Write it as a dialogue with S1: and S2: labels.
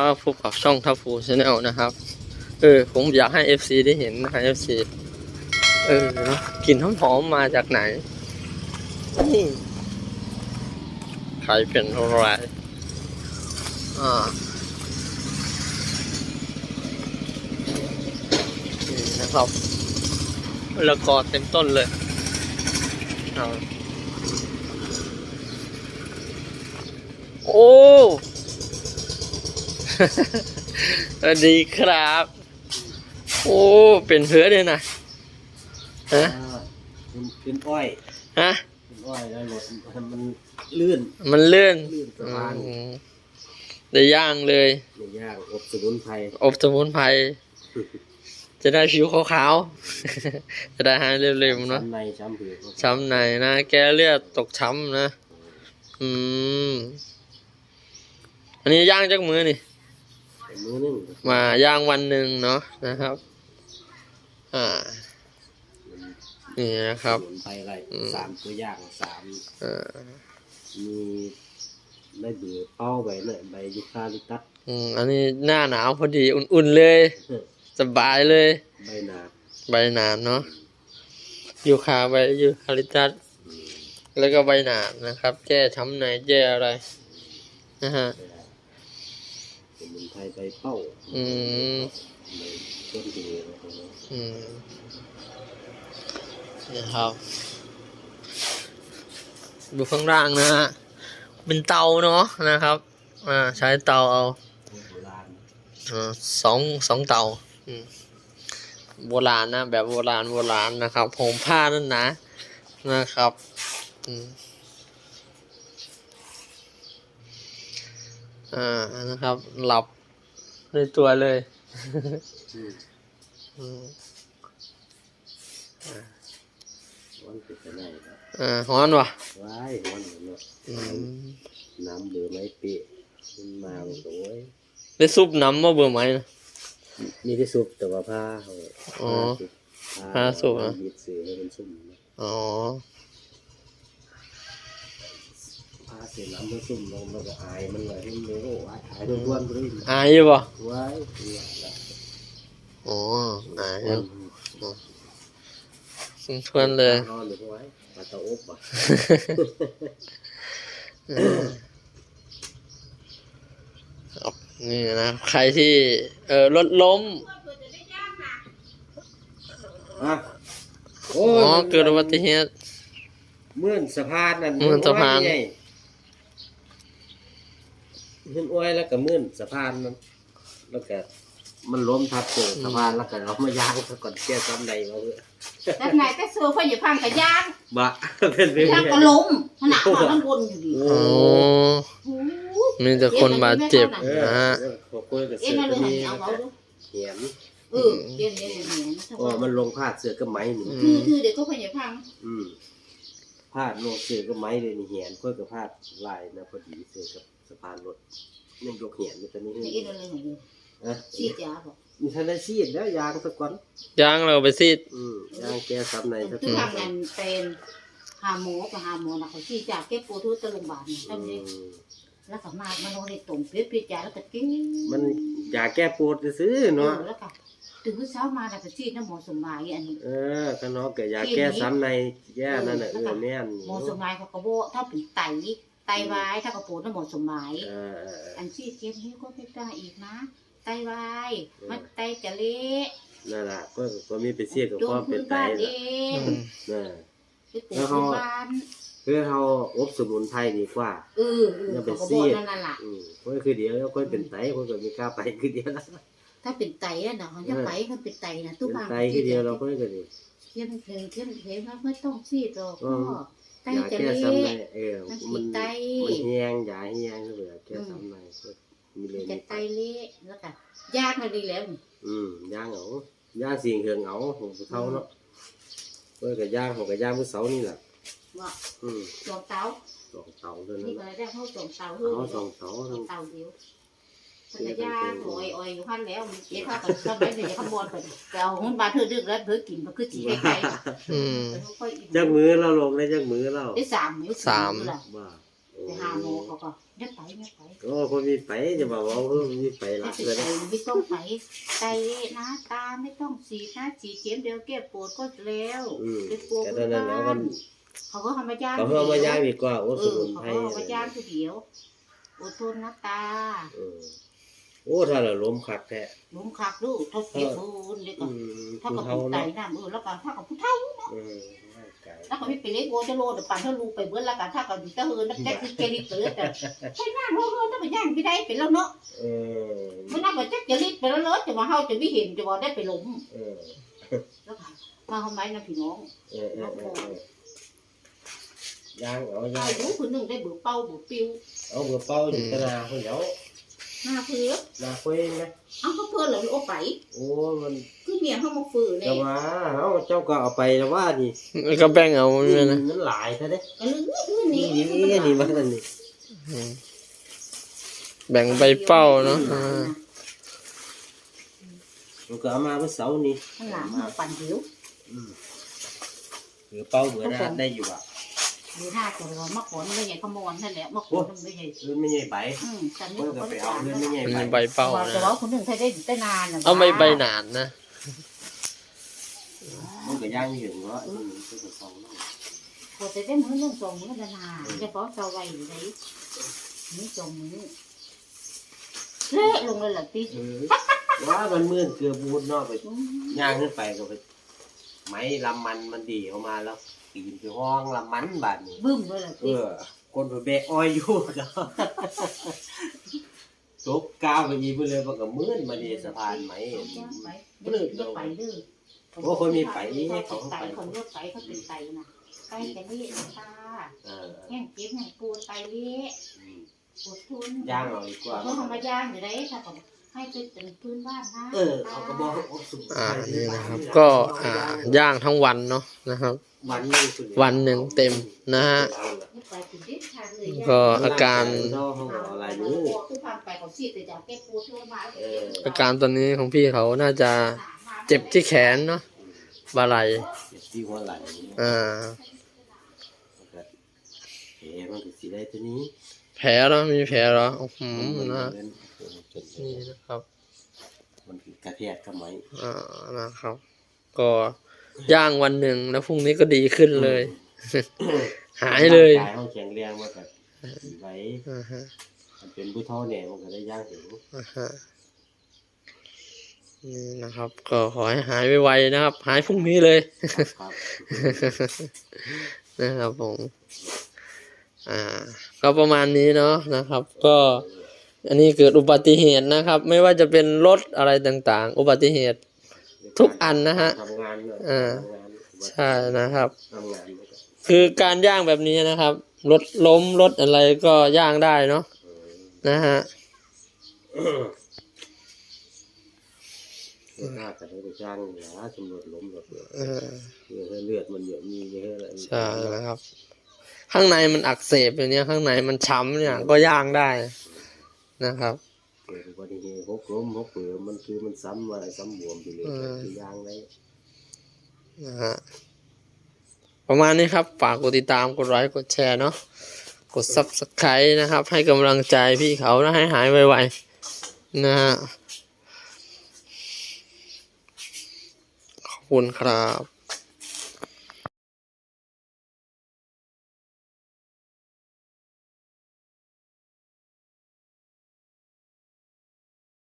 S1: บพบกับช่องทัพฟูชาแนลนะครับผมอยากให้ FC ได้เห็นนะครับ FC เนาะกลิ่นหอมๆมาจากไหนนี่ใครเป็นอะไรนี่นะครับแล้วก็เต็มต้นเลยโอ้สวัสดีครับโอ้เป็นเพื่อเลยนะฮะ
S2: เป็นอ้อย
S1: ฮะ
S2: เป็นอ้อยแล้วรถมันลื่นสะพาน
S1: ได้ย่างเลย
S2: ได้ย่างอบสมุนไพร
S1: จะได้ผิวขาวๆจะได้หายเร็วๆเนาะ
S2: ช้ำในช้ำผิว
S1: ช้ำในนะแก้เลือดตกช้ำนะอันนี้ย่างจากมือนี่
S2: มือนึง
S1: มาย่างวันหนึ่งเนาะนะครับนี่นะครับ
S2: สมุนไพรอะไร3ตัวย่าง3มีใบเบื่อเป้าใบเนี่ยใบยูคาลิปตัส
S1: อันนี้หน้าหนาวพอดีอุ่นๆเลยสบายเลย
S2: ใบ
S1: หนาดเนาะยูคาใบยูคาลิปตัสแล้วก็ใบหนาดนะครับแก้ช้ำในแก้อะไรนะฮะ
S2: สมุนไพรใบเป้าต้นเดือ
S1: นี่ครับดูข้างล่างนะฮะเป็นเตาเนาะนะครับใช้เตาเอาสองเตาโบราณนะแบบโบราณนะครับห่มผ้านั่นนะครับนะครับหลับในตัวเลยฮ้อนวะ
S2: ว้ายฮ้อนเนาะน้ำเบื่อไม้เปะมันมาโอ้ย
S1: ได้ซุปน้ำมาเบื่อไหมนะ
S2: มีที่ซุปแต่ว่าผ้า
S1: ซุปนะ
S2: บีบเสือให้เป็นซุป
S1: อ๋อ
S2: ผ้าเสือน้ำมันซุ่มลงแล้วก็อายมันเลยให้มันเลยโอ้อายทุกวันเลย
S1: อายอยู่ป่ะ
S2: ว้าย
S1: อายอยู่ทวนเลย
S2: นอนหรือไว้ปลาตะอบป่ะ
S1: นี่นะใครที่รถล้มเกิดอุบัติเหตุ
S2: เมื่อสะพานนั่น
S1: เมื่อสะพาน
S2: ขึ้นอ้อยแล้วก็มื่นสะพานนั้นแล้วก็มันล้มทับเจอสะพานแล้วก็เรามาย่างก่อนแก้ซ้ำใดมาเพื่อ
S3: แต่ไหนแต่เสือเขาอย่าพังกับย่าง
S2: บะเป็นไป
S3: ย่างก็ล้มขนาดเขาต้องบนอยู่ดี
S1: มีแต่คนบาดเจ็บนะฮะ
S3: เอ็นเลยหันเอาเขาดู
S2: เหียน
S3: เอ็น
S2: มันลงพาดเสือก็ไม้หนึ่ง
S3: คือเด็กเขาพยายาม
S2: พาดลงเสือก็ไม้เลยนี่เหียนก็กับพาดลายนะพอดีเสือกับสะพานรถนี่ยกเหียนตอนนี้
S3: เอ็นเลยหันซีดยาบอก
S2: มีทันได้ซีดแล้วยางสักวัน
S1: ยางเราไปซีด
S2: ยางแก้ซ้ำใน
S3: สักวันคือทำงานเป็นหาหมอกับหาหมอนะเขาซีดยาแก้ปวดทุกตะลุมบานทำนี้แล้วก็มามันโดนในตุ่มเพชรยาแล้วก็กิน
S2: มันยาแก้ปวดซื้อเนาะ
S3: แล้วก็ตื่นเช้ามาแล้วก็ซีดน้ำหมอสมัยอันนี้
S2: ข้างนอกแกยาแก้ซ้ำในแย่นั่นแหละแน่น
S3: หมอสมัยเขาก็บอกถ้าเป็นไตวายถ้าเขาปวดน้ำหมอสมัยอันซีดเจ็บนี้ก็ไม่ได้อีกนะไตวายมันไตจะเละ
S2: นั่นแหละก็มีไปเสียกับพ่อเป็นไตแล้วเขาเพื่อเขาอบสมุนไพรดีกว่า
S3: อย่าไปเสีย
S2: ก็คือเดี๋ยวก็เป็นไตก็จะมีกล้าไปคือเดียว
S3: ถ้าเป็นไตนะเขาจะไปเขาเป็นไตนะ
S2: ทุกอย่างไตคือเดียวเราก็จะดี
S3: เข้มไม่ต้องซีดหรอกพ่อไตจะเละ
S2: มันแห้งยาแห้งก็แบบแค่ซ้ำใน
S3: จะไตเละแล้วกันยากมาดีแล้ว
S2: ย่างเหงาย่างสิ่งเหืองเหงาของเขาเนาะเพื่อกับย่างของกับย่างเมื่อเสาร์นี่แหละ
S3: ว่าสองเตา
S2: เลย
S3: นี่ก็ได้เข้าสองเตา
S2: สองเตา
S3: เดียวแต่ย่างโอยอยู่ขั้นแล้วเจ๊ข้าวกับข้าวไม่เดี๋ยวขบวนไปแต่เอาหุ้นบาเธอดึกแล้วเธอกินมันคือจีไก่
S2: จักมือเราลงได้จักมือเรา
S3: ได้3
S1: มื้อ
S3: แต่หาหมอเขาก็ยัดไป
S2: โอ้คนมีไปจะบอกว่ามีไปหลั
S3: ไม่
S2: กเลย
S3: ไม่ต้องไปไตนะตาไม่ต้องฉีดนะฉีดเข็มเดียวแก้ปวดก็แล้วเป็นปวด
S2: แต่ตอนนั้นแล้วมัน
S3: เขาก็ทำมาย่าง
S2: เขาเพิ่มมาย่างดีกว่าโอ้สมุน
S3: เขา
S2: ไพร
S3: ก็เอามาย่างทีเดียวอดทนนะตา
S2: โอ้ถ้าเราล้มคักแท้
S3: ลุงคักลูกเขาเสียบุญเลยก็ถ้ากับผู้ไตน้ำแล้วก็ถ้ากับผู้เฒ่าแล้วก็ไม่ไปเล็กโวจะโลดปั่นถ้าลูกไปเบิ้ลแล้วกันถ้ากับตะเฮินนักแจ๊กคือเกลิเตอร์แต่ใช่หน้าโลดถ้าไปย่างไม่ได้เป็นแล้วเนาะมันน่าจะแจ๊กลิไปแล้วเนาะจะมาเฮาจะไม่เห็นจะว่าได้ไปล้มแล้วมาทำไมนะพี่น้อง
S2: ย่างเอา
S3: เอา
S2: ย่าง
S3: อยู่คนหนึ่งได้เบื่อเป้าเบื่อปิว
S2: เอาเบอร์เป้าอยู่ตนาคนเดียว
S3: หน้าเพื่อ
S2: นาคุยนะ
S3: เอาเขาเพื่อเหรอโอ้ไป
S2: โอ้มัน
S3: คือเมียเขามาฝืนเนี่
S2: แต่
S3: ย
S2: ว่าเอาเจ้าก็เอาไปแล้วว่านี่
S1: แล้วก็แบ่งเอาเนี่ยนะ
S2: มันหลายซะเด้
S3: ก็ลืมนี่
S2: นี่มันนั่นนี่
S1: แบ่งใบเป้าเนาะ
S2: มันก็เอามาเมื่อเสาร์นี้
S3: ข้างหลังมาปั่นหิว
S2: หรือเป้าเบื่อได้อยู่อ่ะ
S3: ดูท่าจะว่ามะขอนไม่ใหญ่ขมอนนั่นแหละมะขอนไม่ใหญ่
S2: ไม่ใช่ใบ
S3: แต่นี่
S2: มันก็
S3: เขา
S2: ไป
S3: ไม่
S2: เอา
S3: จ่าย
S2: เงิน
S3: นะ
S2: ไม่ใช่
S1: มัน
S2: ใบ
S1: ใบเป้า
S3: แต่
S1: นะ
S3: ว่าคนหนึ่งใช้ได้นาน
S1: เอาใบหนานนะ
S2: มันก็ย่างอยู่เนาะมันก็จะฟองเนาะ
S3: พอจะได้มื้อนึง2 มื้อนานจะพอเซาไว้อยู่ไหนนี่2 มื้อเละลงเลยล่ะติ
S2: ว่ามันมื่นเกลือบูดเนาะไปย่างขึ้นไปก็ไปไม้ลำมันดีออกมาแล้วปีนไปห้องลำมันบาดนี้
S3: บึ้มเลยล่ะติ
S2: คนไปเบะอ้อยอยู่ก็ตกก้าวไปอีไปเลยมันก็มื่นมาดีสะพานไหม
S3: ไปเด้อไปเด้อ
S2: โอ้คนมีไป
S3: เขาไตคนเลือกไตเขาเป็นไตนะไตจะเละนะตาแห้งเจ็บแห้งปวดไตเละปวดทุน
S2: ย่างเอาดีกว่า
S3: เขาทำมาย่างอยู่ได้ถ้าผมให้เป็นพื้นบ้านนะ
S2: เอากระบอกสุก
S1: นี่นะครับ ก็ย่างทั้งวันเนาะนะครับ วันหนึ่งเต็มนะฮะ ก็อาการ
S2: อะไรนี่
S1: อาการตอนนี้ของพี่เขาน่าจะเจ็บที่แขนเนาะบาไหล
S2: ที่หัวไหล่ มันก็สีได้ตัวนี้
S1: แผลแล้วมีแผลเหรอนะนี่นะครับ
S2: มันกระแทกทำไม
S1: นะครับ ก็ย่างวันหนึ่งแล้วพรุ่งนี้ก็ดีขึ้นเลย หายเลย
S2: กายห้องแข็งแรงมาแบบไว้มันเป็นผู้เท่าเนี่ยมันก็ได้ย่างถึง
S1: นี่นะครับ ก็ขอให้หายไวๆนะครับ หายพรุ่งนี้เลย
S2: ครับ
S1: นะครับผมก็ประมาณนี้เนาะนะครับ ก็อันนี้เกิดอุบัติเหตุนะครับ ไม่ว่าจะเป็นรถอะไรต่างๆ อุบัติเหตุทุกอันนะฮะ
S2: ทำงาน
S1: ใช่นะครับ
S2: ทำงาน
S1: คือการย่างแบบนี้นะครับรถล้มรถอะไรก็ย่างได้เนาะนะฮะ
S2: หน้ากันได้จ้างหาตำรวจล้มรถเลือดมันเยอะมีเยอะอะไร
S1: ใช่นะครับ ข้างในมันอักเสบอย่างเนี้ยข้างในมันช้ำเนี่ยก็ย่างได้นะครับ
S2: เกิดอุบัติเหตุหกล้มหกเปลือมันคือมันซ้ำอะไรซ้ำบวมไปเลยคือย่างได้
S1: นะฮะประมาณนี้ครับฝากกดติดตามกดไลค์กดแชร์เนาะกด Subscribe นะครับ ให้กำลังใจพี่เขานะให้หายไวๆนะฮะขอบคุณครับ